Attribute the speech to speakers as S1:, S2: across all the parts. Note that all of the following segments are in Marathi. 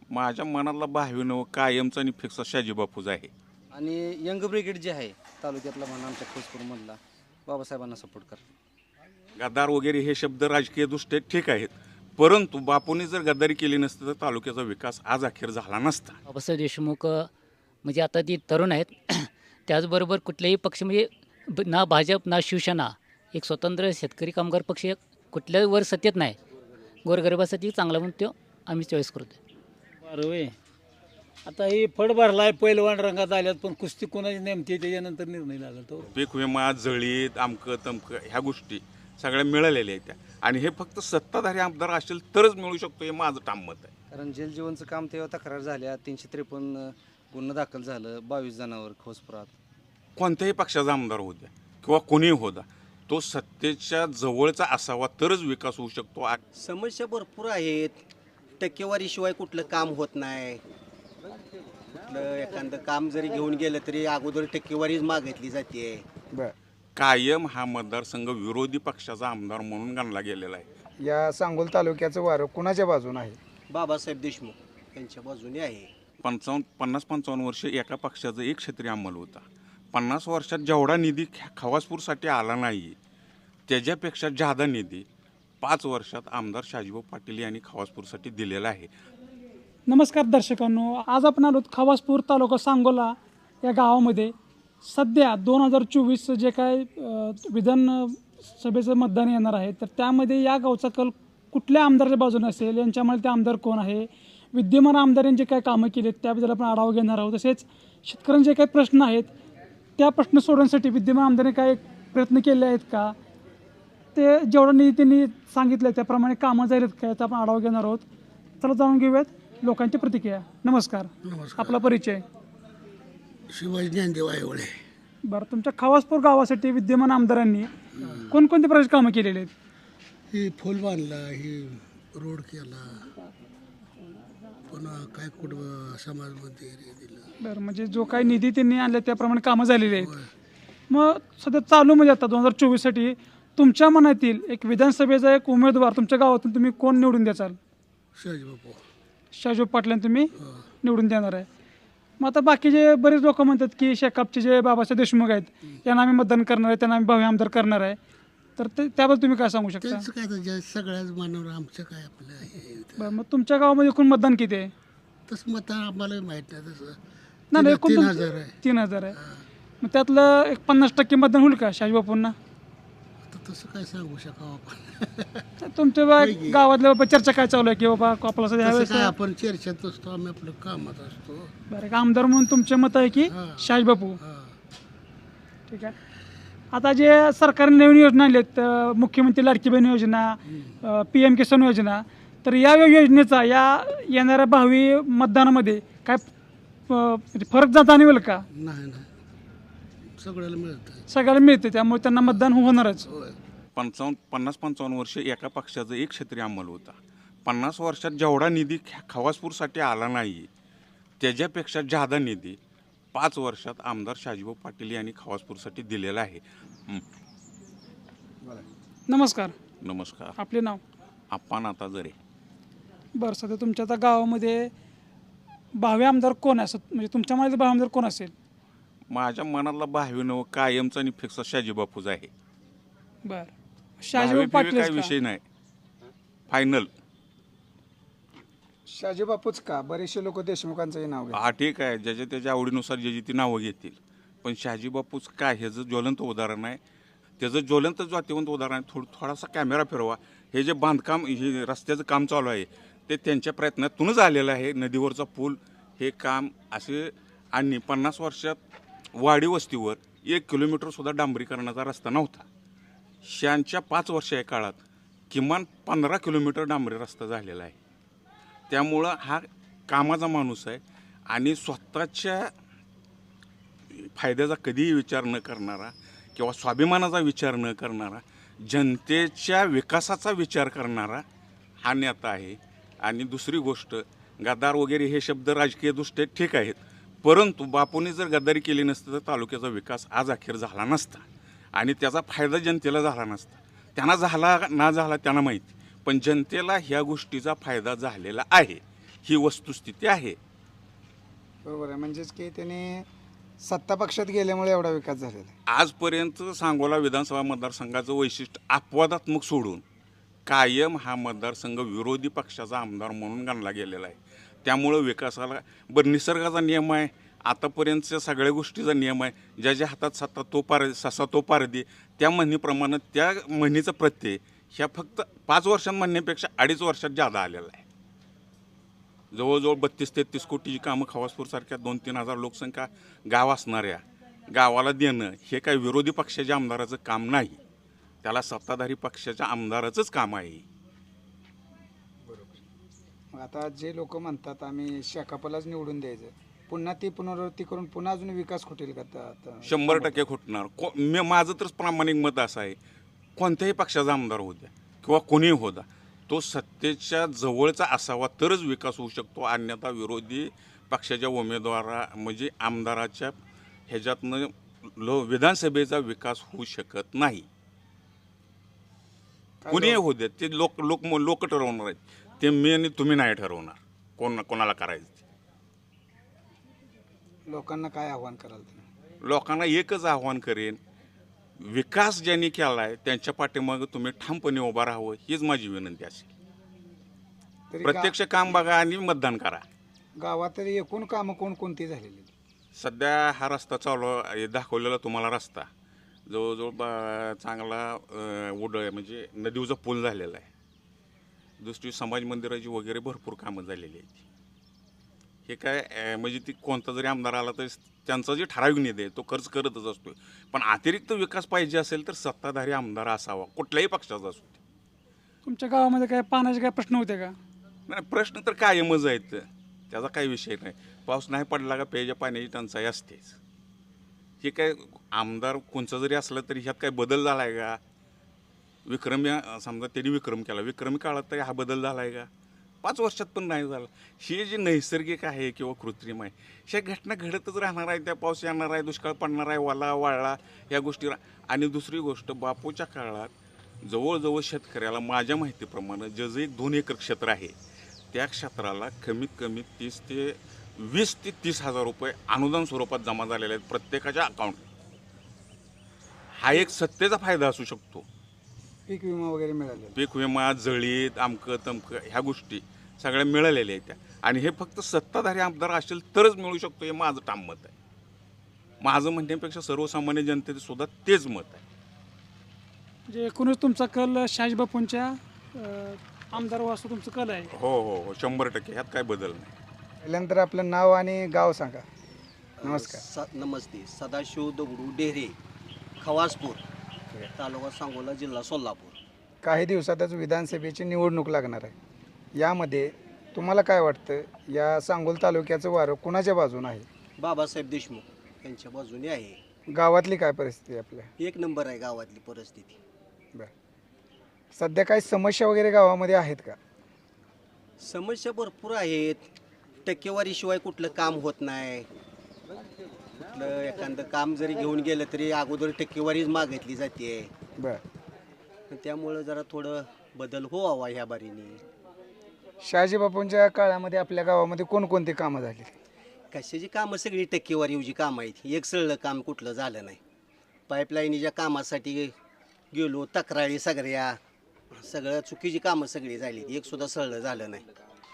S1: माझ्या मनातला भावीनं कायमचा आणि फिक्स शाजी बापूज आहे.
S2: आणि यंग ब्रिगेड जे आहे तालुक्यातला म्हणा आमच्या खोजपूरमधला बाबासाहेबांना सपोर्ट कर.
S1: गद्दार वगैरे हे शब्द राजकीय दृष्ट्या ठीक आहेत, परंतु बापूंनी जर गद्दारी केली नसती तर तालुक्याचा विकास आज अखेर झाला नसता.
S3: बाबासाहेब देशमुख म्हणजे आता ती तरुण आहेत त्याचबरोबर कुठल्याही पक्ष म्हणजे ना भाजप ना शिवसेना एक स्वतंत्र शेतकरी कामगार पक्ष कुठल्याही वर सत्तेत नाही. गोरगरिबासाठी चांगला म्हणून तो आम्ही चॉईस करतो.
S4: बरोबर. आता ही फड भरलाय पैलवान रंगात आल्यात पण कुस्ती कोणाची नेमती त्याच्यानंतर निर्णय लागला तो.
S1: पीक विमा जळीत आमकं तमकं ह्या गोष्टी सगळ्या मिळालेल्या आहेत त्या, आणि हे फक्त सत्ताधारी आमदार असेल तरच मिळू शकतो, हे माझं ठाम मत आहे.
S2: कारण जेल जीवनचं काम तेव्हा तक्रार झाल्या 353 गुन्हा दाखल झालं 22 जणांवर खोजपुरात.
S1: कोणत्याही पक्षाचा आमदार होऊ द्या किंवा कोणीही होता, तो सत्तेच्या जवळचा असावा तरच विकास होऊ शकतो.
S5: समस्या भरपूर आहेत. टक्केवारीशिवाय कुठलं काम होत नाही. कुठलं एखादं काम जरी घेऊन गेलं तरी अगोदर टक्केवारीच मागितली जाते.
S1: कायम हा मतदारसंघ विरोधी पक्षाचा आमदार म्हणून गणला गेलेला आहे.
S6: या सांगोल तालुक्याचं वारं कुणाच्या बाजूने आहे?
S5: बाबासाहेब देशमुख यांच्या बाजूने आहे.
S1: 50-55 वर्ष एका पक्षाचा एक क्षेत्रीय अंमल होता. 50 वर्षात जेवढा निधी खवासपूरसाठी आला नाही त्याच्यापेक्षा जादा निधी 5 वर्षात आमदार शाजीभाऊ पाटील यांनी खवासपूरसाठी दिलेला आहे.
S7: नमस्कार दर्शकांनो, आज आपण आलो खवासपूर तालुका सांगोला या गावामध्ये. सध्या 2024 जे काय विधानसभेचं मतदान येणार आहे तर त्यामध्ये या गावचा कल कुठल्या आमदाराच्या बाजूने असेल, यांच्यामुळे ते आमदार कोण आहे, विद्यमान आमदारांनी जे काय कामं केली आहेत त्याबद्दल आपण आढावा घेणार आहोत. तसेच शेतकऱ्यांचे काही प्रश्न आहेत त्या प्रश्न सोडवण्यासाठी विद्यमान आमदारांनी काय प्रयत्न केले आहेत का, ते जेवढं निधी त्यांनी सांगितलं त्याप्रमाणे कामं झाली आहेत का, याचा आपण आढावा घेणार आहोत. चला जाणून घेऊयात लोकांची प्रतिक्रिया. नमस्कार. आपला परिचय?
S4: शिवाजी ज्ञानदेव आयवळे.
S7: बरं, तुमच्या खवासपूर गावासाठी विद्यमान आमदारांनी कोणकोणते प्रकारची कामं केलेली आहेत?
S4: ही फुल बांधला, ही रोड केला, पुन्हा काय कुठं समाज मंदिर दिलं.
S7: बरं, म्हणजे जो काही निधी त्यांनी आणला त्याप्रमाणे कामं झालेली आहेत. मग सध्या चालू म्हणजे आता 2024साठी तुमच्या मनातील एक विधानसभेचा एक उमेदवार तुमच्या गावातून तुम्ही कोण निवडून द्याल?
S4: शिवाजी बापू.
S7: शाहजी पाटलांना तुम्ही निवडून देणार आहे. मग आता बाकीचे बरेच लोक म्हणतात की शेकापचे जे बाबासाहेब देशमुख आहेत यांना आम्ही मतदान करणार आहे, त्यांना आम्ही भावी आमदार करणार आहे, तर त्याबद्दल तुम्ही काय सांगू शकता?
S4: त्यांचं काय तर सगळ्याच मानवर आमचं काय आपलं हे.
S7: बरं, मग तुमच्या गावामध्ये एकूण मतदान किती आहे?
S4: तसं मत आम्हाला माहीत नाही. तसं
S7: नाही, एकूण
S4: 3000 आहे.
S7: 3000 आहे. मग त्यातलं एक 50% मतदान होईल का शाहजी बापूंना?
S4: आता तसं काय सांगू शकावं आपण.
S7: तुमच्या गावातल्या बाबा चर्चा काय चालू आहे की बाबा आपला सध्या
S4: तसं काय आपण चर्चेत असतो, आम्ही आपलं कामात असतो.
S7: बरं, एक आमदार म्हणून तुमचे मत आहे की शाहजी बापू? ठीक आहे. आता जे सरकारने नवीन योजना आणल्यात, मुख्यमंत्री लाडकी बहीण योजना, PM किसान योजना, तर या योजनेचा या येणाऱ्या भावी मतदानामध्ये काय फरक जाणवेल का?
S4: नाही सगळ्याला मिळतं.
S7: सगळ्याला मिळते त्यामुळे त्यांना मतदान होणारच.
S1: 50-55 वर्ष एका पक्षाचा एक क्षेत्रीय अंमल होता. 50 वर्षात जेवढा निधी खवासपूरसाठी आला नाही त्याच्यापेक्षा जादा निधी 5 वर्षात आमदार शाजीभाऊ पाटील यांनी खवासपूरसाठी दिलेला आहे.
S7: नमस्कार.
S1: नमस्कार.
S7: आपले नाव?
S1: आपण आता जरे.
S7: बरं, सध्या तुमच्या आता गावामध्ये भावी आमदार कोण आहे, म्हणजे तुमच्या मनातील भावी आमदार कोण असेल?
S1: माझ्या मनातला भावीनं कायमचा आणि फिक्स शाजी बापूज आहे.
S7: बरं, शाहजी पाटील
S1: काय विषय नाही, फायनल.
S6: शाहजी बापूच का? बरेचसे लोक देशमुखांचंही नाव घेतात.
S1: हा ठीक आहे, ज्याच्या त्याच्या आवडीनुसार ज्याची ती नावं घेतील, पण शाहजी बापूच काय ह्याचं ज्वलंत उदाहरण आहे. त्याचं ज्वलंत जातीवंत उदाहरण आहे. थोडासा कॅमेरा फिरवा. हे जे बांधकाम, हे रस्त्याचं काम चालू आहे ते त्यांच्या प्रयत्नातूनच आलेलं आहे. नदीवरचा पूल हे काम असे, आणि 50 वर्षात वाडी वस्तीवर 1 किलोमीटरसुद्धा डांबरीकरणाचा रस्ता नव्हता. शांच्या 5 वर्षा काळात किमान 15 किलोमीटर डांबरी रस्ता झालेला आहे. त्यामुळं हा कामाचा माणूस आहे आणि स्वतःच्या फायद्याचा कधीही विचार न करणारा किंवा स्वाभिमानाचा विचार न करणारा, जनतेच्या विकासाचा विचार करणारा हा नेता आहे. आणि दुसरी गोष्ट, गद्दार वगैरे हे शब्द राजकीय दृष्ट्या ठीक आहेत, परंतु बापूंनी जर गद्दारी केली नसती तर तालुक्याचा विकास आज अखेर झाला नसता आणि त्याचा फायदा जनतेला झाला नसता. त्यांना झाला ना झाला त्यांना माहिती, पण जनतेला ह्या गोष्टीचा फायदा झालेला आहे. ही वस्तुस्थिती आहे.
S6: बरोबर आहे. म्हणजेच की त्यांनी सत्ता पक्षात गेल्यामुळे एवढा विकास झालेला आहे.
S1: आजपर्यंत सांगोला विधानसभा मतदारसंघाचं वैशिष्ट्य अपवादात्मक सोडून कायम हा मतदारसंघ विरोधी पक्षाचा आमदार म्हणून गणला गेलेला आहे. त्यामुळं विकासाला बरं निसर्गाचा नियम आहे, आतापर्यंतच्या सगळ्या गोष्टीचा नियम आहे. ज्याच्या हातात सत्ता तो ससा तो पारदी, त्या म्हणीप्रमाणे त्या म्हणीचं प्रत्यय ह्या फक्त 5 वर्षां म्हणण्यापेक्षा 2.5 वर्षात जादा आलेला आहे. जवळजवळ 32-33 कोटीची कामं खवासपूरसारख्या 2-3 हजार लोकसंख्या गाव असणाऱ्या गावाला देणं हे काही विरोधी पक्षाच्या आमदाराचं काम नाही, त्याला सत्ताधारी पक्षाच्या आमदाराचंच काम आहे.
S6: मग आता जे लोक म्हणतात आम्ही शाखापलाच निवडून द्यायचं, पुन्हा ती पुनरावृत्ती करून पुन्हा अजून विकास खुटेल का? आता
S1: 100% खुटणार. माझं तर प्रामाणिक मत असं आहे, कोणत्याही पक्षाचा आमदार होऊ द्या किंवा कोणीही होता, तो सत्तेच्या जवळचा असावा तरच विकास होऊ शकतो. अन्यथा विरोधी पक्षाच्या उमेदवारा म्हणजे आमदाराच्या ह्याच्यातनं विधानसभेचा विकास होऊ शकत नाही. कुणीही होऊ द्या, ते लोक ठरवणार आहेत. ते मी आणि तुम्ही नाही ठरवणार कोणाला करायचं.
S6: लोकांना काय आव्हान कराल तुम्ही?
S1: लोकांना एकच आव्हान करेन, विकास ज्यांनी केला आहे त्यांच्या पाठीमागं तुम्ही ठामपणे उभा राहावं, हीच माझी विनंती असेल.
S6: तरी
S1: प्रत्यक्ष काम बघा आणि मतदान करा.
S6: गावात तरी एकूण कामं कोणकोणती झालेली?
S1: सध्या हा रस्ता चालू आहे, दाखवलेला तुम्हाला रस्ता जवळजवळ चांगला म्हणजे नदीचा पूल झालेला आहे. दुसरी समाज मंदिराची वगैरे भरपूर कामं झालेली आहेत. हे काय म्हणजे ती कोणता जरी आमदार आला तरी त्यांचा जे ठराविक निधी आहे तो खर्च करतच असतो. पण अतिरिक्त विकास पाहिजे असेल तर सत्ताधारी आमदार असावा, कुठल्याही पक्षाचा असतो.
S7: तुमच्या गावामध्ये काय पाण्याचे काय प्रश्न होते का?
S1: नाही, प्रश्न तर कायमच आहेत, त्याचा काही विषय नाही. पाऊस नाही पडला का प्यायच्या पाण्याची टंचाई असतेच. हे काय आमदार कोणचा जरी असला तरी ह्यात काय बदल झाला आहे का? विक्रमी समजा त्यांनी विक्रम केला, विक्रमी काळात तरी हा बदल झाला आहे का? 5 वर्षात पण नाही झाला. हे जे नैसर्गिक आहे किंवा कृत्रिम आहे, ह्या घटना घडतच राहणार आहे. त्या पाऊस येणार आहे, दुष्काळ पडणार आहे, वाला वाळला या गोष्टी. आणि दुसरी गोष्ट, बापूच्या काळात जवळजवळ शेतकऱ्याला माझ्या माहितीप्रमाणे जे 2 एकर क्षेत्र आहे त्या क्षेत्राला कमीत कमी 20 ते 30 हजार रुपये अनुदान स्वरूपात जमा झालेले आहेत प्रत्येकाच्या अकाउंट. हा एक सत्तेचा फायदा असू शकतो.
S6: पीक विमा वगैरे मिळाले?
S1: पीक विमा, जळीत, आमकं तमकं ह्या गोष्टी सगळ्या मिळालेल्या आहेत त्या. आणि हे फक्त सत्ताधारी आमदार असेल तरच मिळू शकतो, हे माझं ठाम मत आहे. माझं म्हणण्यापेक्षा सर्वसामान्य जनतेचं सुद्धा तेच मत आहे.
S7: म्हणजे एकूणच तुमचा कल शहाजीबापूंच्या आमदार वास्तू तुमचं कल आहे?
S1: हो हो हो, 100%. ह्यात काय बदल नाही.
S6: पहिल्यांतर आपलं नाव आणि गाव सांगा. नमस्कार.
S5: नमस्ते. सदाशिव दगडू डेहरे, खवासपूर, तालुका सांगोला, जिल्हा सोलापूर.
S6: काही दिवसातच विधानसभेची निवडणूक लागणार आहे. यामध्ये तुम्हाला काय वाटतं, या सांगोल तालुक्याचं वारं कुणाच्या बाजून आहे?
S5: बाबासाहेब देशमुख यांच्या बाजूने आहे.
S6: गावातली काय परिस्थिती आहे आपल्या?
S5: 1 नंबर आहे गावातली परिस्थिती.
S6: बरं. सध्या काही समस्या वगैरे गावामध्ये आहेत का?
S5: समस्या भरपूर आहेत. टक्केवारीशिवाय कुठलं काम होत नाही. कुठलं एखादं काम जरी घेऊन गेलं तरी अगोदर टक्केवारीच मागितली जाते.
S6: बरं.
S5: त्यामुळं जरा थोडं बदल व्हावा ह्या बारीने.
S6: शहाजीबापूंच्या काळामध्ये आपल्या गावामध्ये कोणकोणती कामं झाली?
S5: कशाची कामं? सगळी टक्केवारीची कामं आहेत. एक सरळ काम कुठलं झालं नाही. पाईपलाईनीच्या कामासाठी गेलो, तक्रारी सगळ्या चुकीची कामं सगळी झाली, एक सुद्धा सरळ झालं नाही.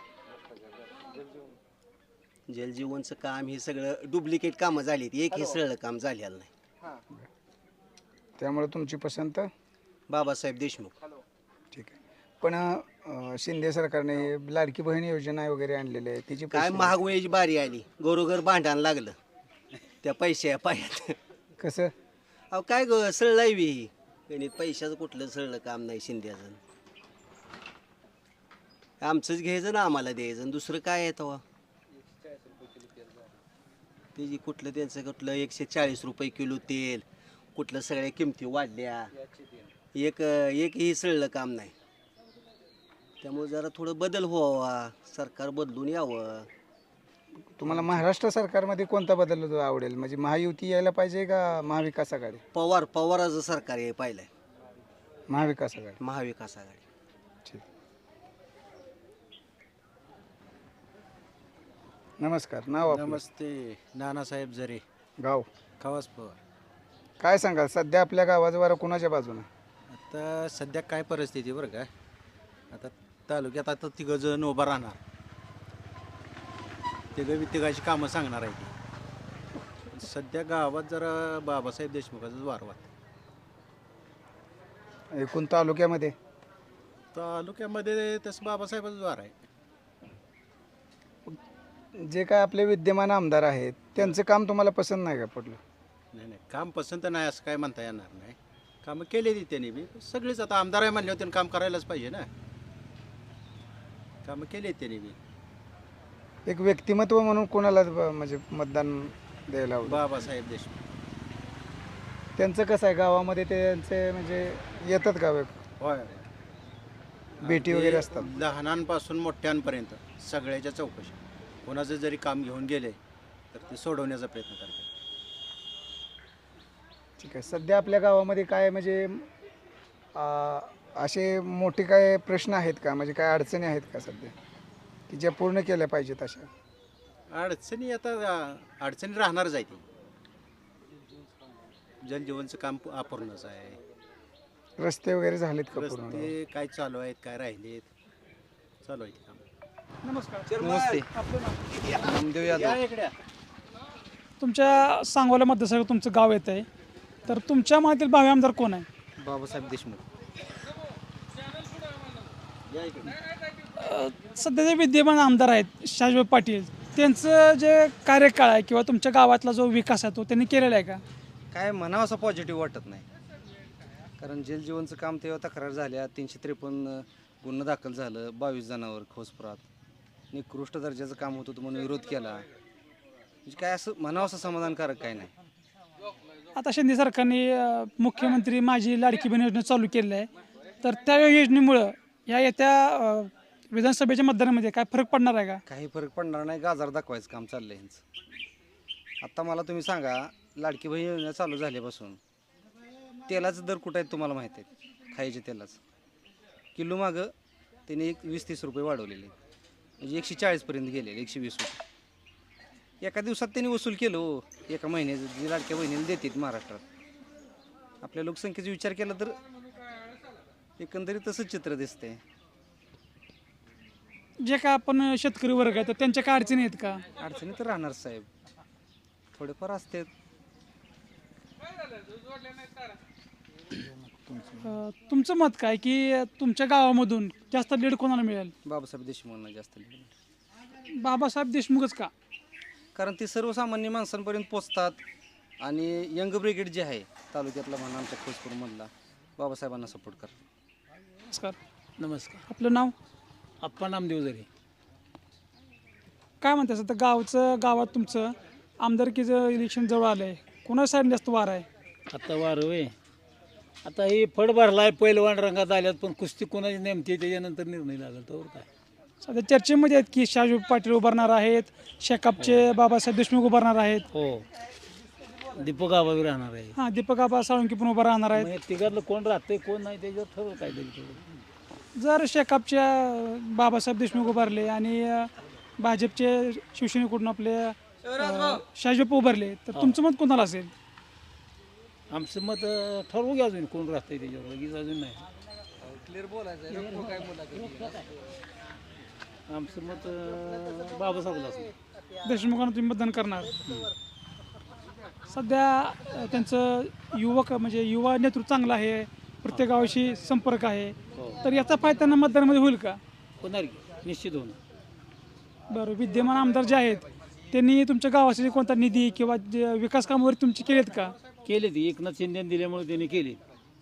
S5: जलजीवनचं काम हे सगळं डुप्लिकेट कामं झाली, एकही सरळ काम झालेलं नाही.
S6: त्यामुळे तुमची पसंत
S5: बाबासाहेब देशमुख.
S6: ठीक आहे. पण शिंदे सरकारने लाडकी बहीण योजना वगैरे आणलेली आहे, तिची
S5: काय महागवयाची बारी आली, घरोघर भांडण लागलं त्या पैशा पायात.
S6: कसं?
S5: अहो काय सरळ लावी गणित, पैशाचं कुठलं सरळ काम नाही शिंद्याचं. आमचंच घ्यायचं ना आम्हाला द्यायचं, दुसरं काय आहे तेव्हा. त्याची कुठलं 140 रुपये किलो तेल, कुठलं सगळ्या किमती वाढल्या, एकही सरळ काम नाही. त्यामुळे जरा थोडं बदल व्हावा, सरकार बदलून यावं.
S6: तुम्हाला महाराष्ट्र सरकारमध्ये कोणता बदल आवडेल? म्हणजे महायुती यायला पाहिजे का महाविकास आघाडी?
S5: पवाराचं सरकार हे पाहिलंय.
S6: महाविकास आघाडी.
S5: महाविकास आघाडी.
S6: ठीक. नमस्कार. नाव आपलं?
S8: नमस्ते. नानासाहेब जरे,
S6: गाव
S8: खवास पवार.
S6: काय सांगाल सध्या आपल्या गावाचं वारं कुणाच्या बाजूने?
S8: आता सध्या काय परिस्थिती बरं का, आता तालुक्यात आता तिघं जण उभा राहणार, तिघाची कामं सांगणार आहे ती. सध्या गावात जरा बाबासाहेब देशमुखाचाच वार वाहत.
S6: एकूण तालुक्यामध्ये
S8: तालुक्यामध्ये तसं बाबासाहेबाचाच वार आहे.
S6: जे काय आपले विद्यमान आमदार आहेत त्यांचं काम तुम्हाला पसंत नाही का पडलं?
S8: नाही नाही, काम पसंत नाही असं काय म्हणता येणार नाही. कामं केलेली त्यांनी बी. सगळीच आता आमदार आहे म्हणल्यावर त्यांनी काम करायलाच पाहिजे ना. कामं केली त्यांनी बी.
S6: एक व्यक्तिमत्व म्हणून कोणाला म्हणजे मतदान द्यायला हवं?
S8: बाबासाहेब देशमुख.
S6: त्यांचं कसं आहे गावामध्ये त्यांचे म्हणजे येतात का
S8: होय.
S6: भेटी वगैरे असतात?
S8: लहानांपासून मोठ्यांपर्यंत सगळ्याच्या चौकशी, कोणाचं जरी काम घेऊन गेले तर ते सोडवण्याचा प्रयत्न करतात.
S6: ठीक आहे. सध्या आपल्या गावामध्ये काय म्हणजे असे मोठे काय प्रश्न आहेत का, म्हणजे काय अडचणी आहेत का सध्या की ज्या पूर्ण केल्या पाहिजेत? अशा
S8: अडचणी आता अडचणी राहणारच आहे ती. जलजीवनचं काम अपूर्णच आहे.
S6: रस्ते वगैरे झालेत का पूर्ण?
S8: रस्ते काय चालू आहेत, काय राहिलेत, चालू आहे काम.
S7: नमस्कार.
S2: नमस्ते.
S7: आपलं नाव?
S2: नामदेव यादव.
S7: तुमच्या सांगोला मतदारसंघात तुमचं गाव येत आहे, तर तुमच्या मनातील भावी आमदार कोण आहे?
S2: बाबासाहेब देशमुख.
S7: सध्या जे विद्यमान आमदार आहेत शहाजीबाबू पाटील, त्यांचं जे कार्यकाळ आहे किंवा तुमच्या गावातला जो विकास आहे तो त्यांनी केलेला आहे का?
S2: काय म्हणावं असं पॉझिटिव्ह वाटत नाही, कारण जलजीवनचं काम तेव्हा तक्रार झाल्या, 353 गुन्हा दाखल झालं, 22 जणांवर खोसपुरात निकृष्ट दर्जाचं काम होतं म्हणून विरोध केला. म्हणजे काय असं म्हणावं असं समाधानकारक काय नाही.
S7: आता शिंदे सरकारने मुख्यमंत्री माझी लाडकी बहीण योजना चालू केलेली आहे, तर त्या योजनेमुळं या येत्या विधानसभेच्या मतदानामध्ये काय फरक पडणार आहे का?
S2: काही फरक पडणार नाही, गाजार दाखवायचं काम चाललंय ह्यांचं. आता मला तुम्ही सांगा, लाडकी बहीण योजना चालू झाल्यापासून तेलाचं दर कुठं आहेत तुम्हाला माहीत आहे? खायचे तेलाचं किलो मागं त्यांनी 20-30 रुपये वाढवलेले, म्हणजे 140पर्यंत गेलेले, 120 रुपये एका दिवसात त्यांनी वसूल केलं हो. एका महिन्याचं जी लाडक्या बहिणीला देतात महाराष्ट्रात. आपल्या लोकसंख्येचा विचार केला तर एकंदरीत तसंच चित्र दिसतंय.
S7: जे काय आपण शेतकरी वर्ग आहे तर त्यांच्या काय अडचणी आहेत का?
S2: अडचणी तर राहणार साहेब, थोडेफार असते.
S7: तुमचं मत काय की तुमच्या गावामधून जास्त लीड कोणाला मिळेल?
S2: बाबासाहेब देशमुखांना जास्त lead.
S7: बाबासाहेब देशमुखच का?
S2: कारण ते सर्वसामान्य माणसांपर्यंत पोचतात आणि यंग ब्रिगेड जे आहे तालुक्यातला म्हणा आमच्या खोसपूरमधला बाबासाहेबांना सपोर्ट करतात.
S7: नमस्कार.
S4: नमस्कार.
S7: आपलं नाव?
S4: आप्पा नामदेव जरे.
S7: काय म्हणतात सध्या गावात तुमचं आमदारकीचं इलेक्शन जवळ आलं आहे, कोणा साईड जास्त वार आहे?
S4: आता वार होय. आता ही फड भरलाय, पैलवान रंगात आल्यात, पण कुस्ती कोणाची नेमती त्याच्यानंतर निर्णय लागेल. तर काय
S7: सध्या चर्चेमध्ये आहेत की शहाजीबाबू पाटील उभारणार आहेत, शेकापचे बाबासाहेब देशमुख उभारणार आहेत.
S4: हो, दीपक आबावी राहणार आहे.
S7: हां, दीपक आबा साळुंकी पण उभा राहणार आहेत.
S4: मग तिघातलं कोण राहतंय कोण नाही त्याच्यावर ठरवलं काय तरी.
S7: जर शेकापच्या बाबासाहेब देशमुख उभारले आणि भाजपचे शिवसेनेकडून आपले शहाजीबाबू उभारले तर तुमचं मत कोणाला असेल?
S4: आमचं मत ठरवू घ्या, अजून कोण राहतंय त्याच्यावर, लगेच अजून नाही. आमचं मत बाबासाहेबला असेल.
S7: देशमुखांना तुम्ही मतदान करणार? सध्या त्यांचं युवक म्हणजे युवा नेतृत्व चांगलं आहे, प्रत्येक गावाशी संपर्क आहे, तर याचा फायदा त्यांना मतदानामध्ये होईल का?
S4: होणार की, निश्चित होणार.
S7: बरं, विद्यमान आमदार जे आहेत त्यांनी तुमच्या गावासाठी कोणता निधी किंवा जे विकास कामावर तुमचे केलेत का?
S4: केले ते एकनाथ शिंदेने दिल्यामुळे त्यांनी केले.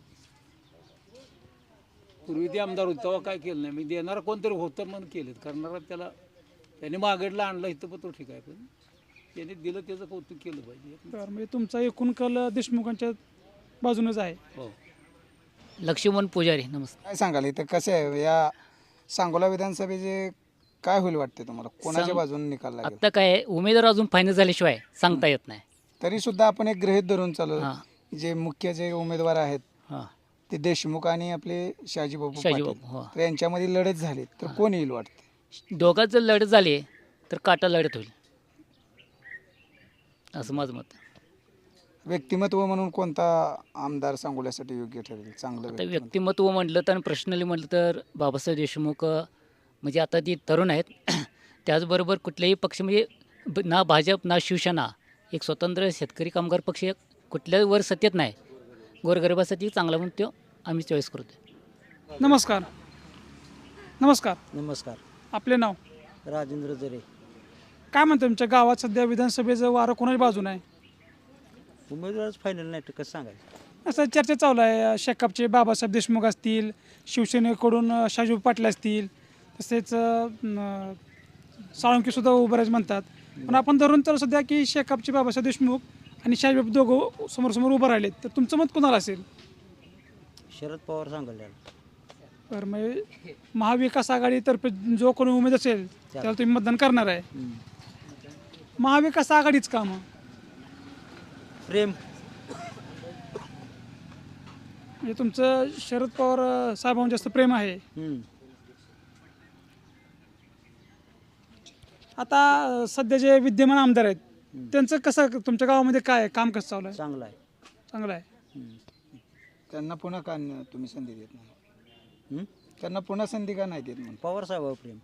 S4: पूर्वी ते आमदार होते तेव्हा काय केलं नाही. मी देणारा कोणतरी होतं म्हणून केलेत, करणारा त्याला त्याने मागडला आणलं इथं पण तो ठीक आहे, पण त्याने दिलं त्याचं कौतुक केलं पाहिजे.
S7: बरं, म्हणजे तुमचा एकूण कल देशमुखांच्या बाजूनच आहे.
S4: हो.
S3: लक्ष्मण पुजारी. नमस्कार.
S6: काय सांगाल इथं कसं आहे या सांगोला विधानसभेचे काय होईल वाटते तुम्हाला? कोणाच्या बाजूने निकाल लागेल?
S3: आत्ता काय उमेदवार अजून फायनल झाल्याशिवाय सांगता येत नाही.
S6: तरी सुद्धा आपण एक गृहीत धरून चालू,
S3: हां.
S6: जे मुख्य जे उमेदवार आहेत
S3: हां,
S6: ते देशमुख आणि आपले शहाजीबाबू
S3: शहाजीबाबू,
S6: पाटील.
S3: हो.
S6: तर यांच्यामध्ये लढत झाली तर कोण येईल वाटते?
S3: दोघात जर लढत झाली तर काटा लढत होईल. असं माझं मत आहे.
S6: व्यक्तिमत्व म्हणून कोणता आमदार सांगोल्यासाठी योग्य ठरेल चांगलं
S3: आता व्यक्तिमत्व म्हटलं तर पर्सनली म्हटलं तर बाबासाहेब देशमुख म्हणजे आता ती तरुण आहेत त्याचबरोबर कुठल्याही पक्ष म्हणजे ना भाजप ना शिवसेना एक स्वतंत्र शेतकरी कामगार पक्ष कुठल्याही वर सत्तेत नाही. गोरगरिबासाठी चांगला म्हणून तो आम्ही चॉईस करतो.
S7: नमस्कार. नमस्कार.
S5: नमस्कार.
S7: आपले नाव?
S5: राजेंद्र जरे.
S7: काय म्हणतं तुमच्या गावात सध्या विधानसभेचं वारं कोणाच्या बाजूने आहे?
S5: उमेदवारच फायनल नाही तर कसं सांगायचं.
S7: असं चर्चा चालू आहे. शेकापचे बाबासाहेब देशमुख असतील, शिवसेनेकडून शाहजी पाटील असतील, तसेच साळुंकेसुद्धा उभं राहायचं म्हणतात. पण आपण धरून तर सध्या की शेकापचे बाबासाहेब देशमुख आणि शाहजी दोघं समोर उभं राहिलेत, तर तुमचं मत कोणाला असेल?
S5: शरद पवार सांगायला.
S7: तर मग महाविकास आघाडीतर्फे जो कोणी उमेद असेल त्याला तुम्ही मतदान करणार आहे. महाविकास आघाडीच का मग?
S5: प्रेम.
S7: म्हणजे तुमचं शरद पवार साहेबांवर जास्त प्रेम आहे. आता सध्या जे विद्यमान आमदार आहेत त्यांचं कसं तुमच्या गावामध्ये काय आहे? काम कसं चालू आहे?
S5: चांगला आहे.
S7: चांगलं आहे.
S6: त्यांना पुन्हा का तुम्ही संधी देत नाही? त्यांना पुन्हा संधी का नाही देत म्हणून?
S5: पवार साहेब प्रेम.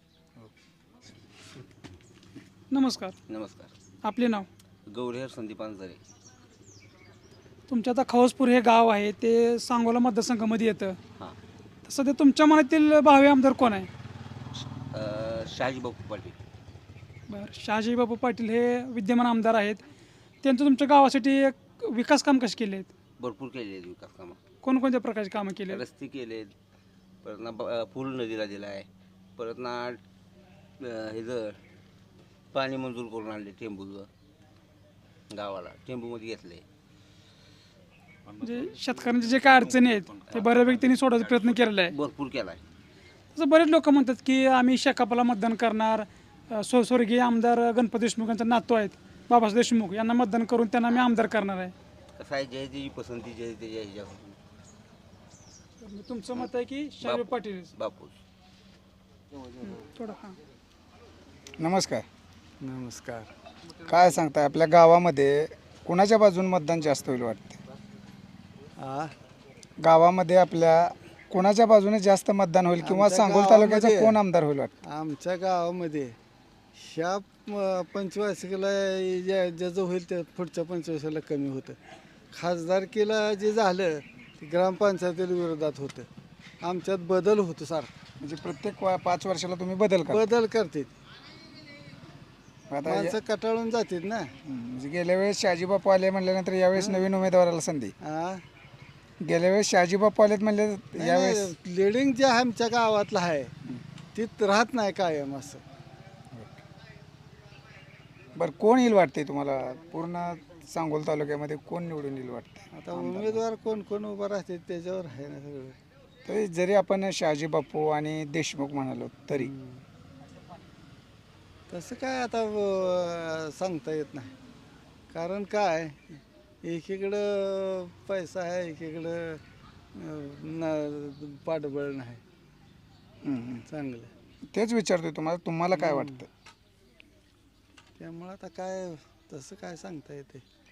S7: नमस्कार.
S9: नमस्कार.
S7: आपले नाव?
S9: गौरीहर संदीप अंजारे.
S7: तुमच्या आता खवसपूर हे गाव आहे ते सांगोला मतदारसंघामध्ये येतं.
S9: हां.
S7: तर सध्या तुमच्या मनातील भावी आमदार कोण आहे?
S9: शहाजी बापू पाटील.
S7: बरं. शहाजी बापू पाटील हे विद्यमान आमदार आहेत. त्यांचं तुमच्या गावासाठी एक विकास काम कसे केले आहेत?
S9: भरपूर केले आहेत विकास कामं.
S7: कोणकोणत्या प्रकारची कामं केली आहेत?
S9: रस्ते केलेत, परत ना पूल नदीला दिला आहे, परत ना ह्याचं पाणी मंजूर करून आणले टेंबूचं गावाला, टेंबूमध्ये घेतले.
S7: म्हणजे शेतकऱ्यांच्या जे काय अडचणी आहेत ते बऱ्यापैकी त्यांनी सोडायचा प्रयत्न केलेला आहे.
S9: भरपूर केला आहे.
S7: तसं बरेच लोक म्हणतात की आम्ही शेकापला मतदान करणार. स्वर्गीय आमदार गणपती देशमुख यांचा नातू आहेत बाबासाहेब देशमुख यांना मतदान करून त्यांना आम्ही आमदार करणार आहे.
S9: कसं आहे, जय त्याची पसंती जय त्याच्या ह्याच्यावर.
S7: तुमचं मत आहे की शाहजी पाटील?
S9: बापू.
S7: थोडं हां.
S6: नमस्कार.
S2: नमस्कार.
S6: काय सांगताय आपल्या गावामध्ये कुणाच्या बाजून मतदान जास्त होईल वाटते? गावामध्ये आपल्या कोणाच्या बाजूने जास्त मतदान होईल किंवा सांगोल तालुक्याचा कोण आमदार होईल वाटतं?
S2: आमच्या गावामध्ये ह्या पंचवार्षिकला ज्याचं होईल त्या पुढच्या पंचवार्षिकला कमी होतं. खासदारकीला जे झालं ते ग्रामपंचायतीला विरोधात होतं. आमच्यात बदल होतो सारखा.
S6: म्हणजे प्रत्येक 5 वर्षाला तुम्ही बदल
S2: करते.
S6: आता
S2: माणसं कटाळून जातात ना.
S6: म्हणजे गेल्या वेळेस शहाजी बापू आले म्हणल्यानंतर यावेळेस नवीन उमेदवाराला संधी. गेल्या वेळेस शहाजी बापू आलेत म्हणले यावेळेस
S2: लिडिंग जे आमच्या गावातलं आहे तीच राहत नाही कायम असं.
S6: बरं कोण येईल वाटते तुम्हाला? पूर्ण सांगोल तालुक्यामध्ये कोण निवडून येईल वाटते?
S2: आता उमेदवार कोण कोण उभा राहते त्याच्यावर आहे ना सगळं.
S6: तरी जरी आपण शहाजी बापू आणि देशमुख म्हणालो तरी
S2: तसं काय आता सांगता येत नाही. कारण काय एकीकडं पैसा आहे एकीकडं पाठबळ नाही चांगलं.
S6: तेच विचारतोय तुम्हाला काय वाटतं?
S2: त्यामुळं आता काय तसं काय सांगता येते.